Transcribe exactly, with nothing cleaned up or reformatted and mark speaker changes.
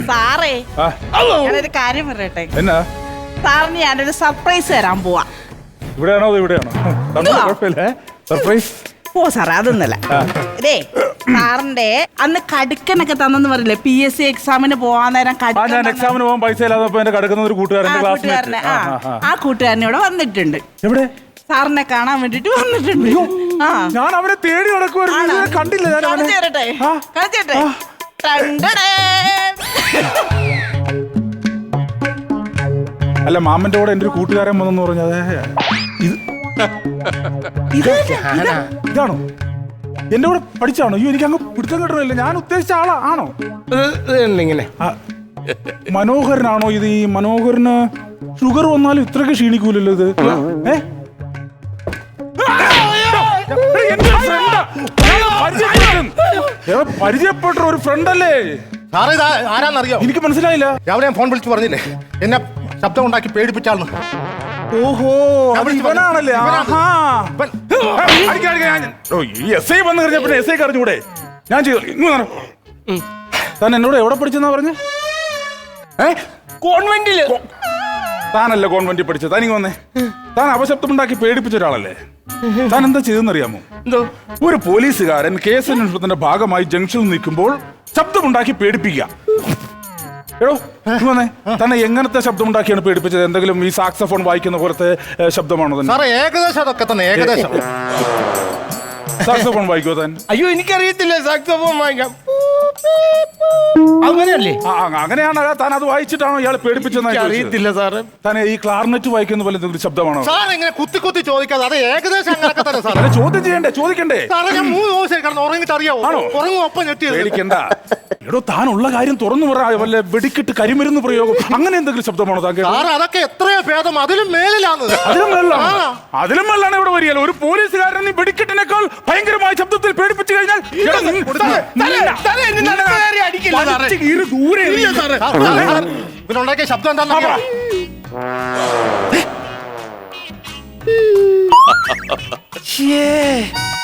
Speaker 1: സാറേ ഞാനൊരു കാര്യം പറയട്ടെ.
Speaker 2: എന്നാ
Speaker 1: സാറിന് ഞാനൊരു സർപ്രൈസ് തരാൻ പോവാ.
Speaker 2: ഇവിടെയാണോ ഇവിടെയാണോ? കുഴപ്പമില്ല. സർപ്രൈസ്
Speaker 1: ഓ സാറേ അതൊന്നല്ല. ഇതേ സാറിന്റെ അന്ന് കടുക്കനൊക്കെ തന്നെന്ന് പറയില്ലേ പി എസ് സി എക്സാമിന് പോവാൻ നേരം
Speaker 2: ഞാൻ എക്സാമിന് പോകാൻ പൈസ ഇല്ലാതെ എന്റെ കടുക്കുന്ന ഒരു കൂട്ടുകാരന്റെ
Speaker 1: കൂട്ടുകാരനെ ആ കൂട്ടുകാരനെ ഇവിടെ വന്നിട്ടുണ്ട്.
Speaker 2: എവിടെ?
Speaker 1: സാറിനെ കാണാൻ വേണ്ടിട്ട് വന്നിട്ടുണ്ട്.
Speaker 2: ഞാൻ അവനെ തേടി നടക്കുവായിരുന്നു, കണ്ടില്ല.
Speaker 1: കളിച്ചേരട്ടെ കളിച്ചേട്ടെ.
Speaker 2: അല്ല മാമന്റെ കൂടെ എന്റെ ഒരു കൂട്ടുകാരൻ വന്നെന്ന് പറഞ്ഞത് ഇതാണോ? എന്റെ കൂടെ പഠിച്ചാണോ? അയ്യോ എനിക്ക് അങ്ങ് പിടുത്തം കിട്ടണില്ല. ഞാൻ ഉദ്ദേശിച്ച ആളാ ആണോ?
Speaker 3: ഇങ്ങനെ
Speaker 2: മനോഹരനാണോ ഇത്? ഈ മനോഹരന് ഷുഗർ വന്നാലും ഇത്രയൊക്കെ ക്ഷീണിക്കൂലല്ലോ ഇത്. ഏ പരിചയപ്പെട്ട ഒരു ഫ്രണ്ട് അല്ലേ?
Speaker 3: സാറേ ഇത് ആരാന്നറിയോ?
Speaker 2: എനിക്ക് മനസ്സിലായില്ല.
Speaker 3: രാവിലെ ഞാൻ ഫോൺ വിളിച്ച് പറഞ്ഞില്ലേ എന്നെ ശബ്ദം ഉണ്ടാക്കി പേടിപ്പിച്ചാളെന്ന്.
Speaker 2: ഓഹോ ഇവനാണല്ലേ? എസ് ഐ വന്നു കഴിഞ്ഞ പിന്നെ എസ് ഐ അറിഞ്ഞൂടെ? ഞാൻ ചെയ്തു. ഇങ്ങനെ താൻ എന്നോട് എവിടെ പഠിച്ചെന്നാ പറഞ്ഞേ?
Speaker 3: കോൺവെന്റില്.
Speaker 2: താനല്ല കോൺവെന്റിൽ പഠിച്ചത്. താനിങ്ങ് വന്നേ. താൻ അപശബ്ദം ഉണ്ടാക്കി പേടിപ്പിച്ച ഒരാളല്ലേ? താൻ എന്താ ചെയ്തെന്നറിയാമോ?
Speaker 3: എന്തോ
Speaker 2: ഒരു പോലീസുകാരൻ കേസന്വേഷണത്തിന്റെ ഭാഗമായി ജംഗ്ഷനിൽ നിൽക്കുമ്പോൾ ശബ്ദമുണ്ടാക്കി പേടിപ്പിക്കുക. എടോ വന്നേ. തന്നെ എങ്ങനത്തെ ശബ്ദമുണ്ടാക്കിയാണ് പേടിപ്പിച്ചത്? എന്തെങ്കിലും ഈ സാക്സഫോൺ വായിക്കുന്ന പോലത്തെ ശബ്ദമാണോ തന്നെ?
Speaker 3: സാറേ ഏകദേശം അതൊക്കെ തന്നെ. ഏകദേശം
Speaker 2: സാക്സഫോൺ വായിക്കോ താൻ?
Speaker 3: അയ്യോ എനിക്കറിയത്തില്ല സാക്സഫോൺ വായിക്കാം. അങ്ങനെയല്ലേ?
Speaker 2: അങ്ങനെയാണ്. താൻ അത് വായിച്ചിട്ടാണോ ഇയാൾ പേടിപ്പിച്ചെന്ന്?
Speaker 3: അറിയത്തില്ല സാറേ.
Speaker 2: താൻ ഈ ക്ലാർനെറ്റ് വായിക്കുന്ന പോലെ എന്തെങ്കിലും ശബ്ദമാണോ?
Speaker 3: സാർ ഇങ്ങനെ കുത്തി കുത്തി ചോദിക്കാതെ അത് ഏകദേശം അങ്ങനെയൊക്കെ തന്നെ സാറേ.
Speaker 2: ചോദ്യം ചെയ്യണ്ടേ? ചോദിക്കണ്ടേ?
Speaker 3: സാറേ ഞാൻ മൂന്ന് ദിവസം കിടന്ന് ഉറങ്ങിട്ട് അറിയാവോ?
Speaker 2: ആണോ?
Speaker 3: ഉറങ്ങും ഒപ്പം ഞെട്ടി.
Speaker 2: പേടിക്കണ്ട. എടോ താനുള്ള കാര്യം തുറന്നു പറ. വല്ല വെടിക്കിട്ട് കരിമരുന്ന് പ്രയോഗം അങ്ങനെ എന്തെങ്കിലും ശബ്ദമാണോ താങ്കൾ?
Speaker 3: സാർ അതൊക്കെ എത്രയോ ഭേദം. അതിലും മേലിലാണ്.
Speaker 2: അതിലും മേലാണ്. അതിലും മേലാണ് ഇവിടെ വരികയല്ലോ. ഒരു പോലീസുകാരൻ ഈ വെടിക്കെട്ടിനേക്കാൾ ഭയങ്കരമായ ശബ്ദത്തിൽ പേടിപ്പിച്ചു കഴിഞ്ഞാൽ
Speaker 3: ഇവനുണ്ടാക്കിയ ശബ്ദം എന്താ?
Speaker 2: േ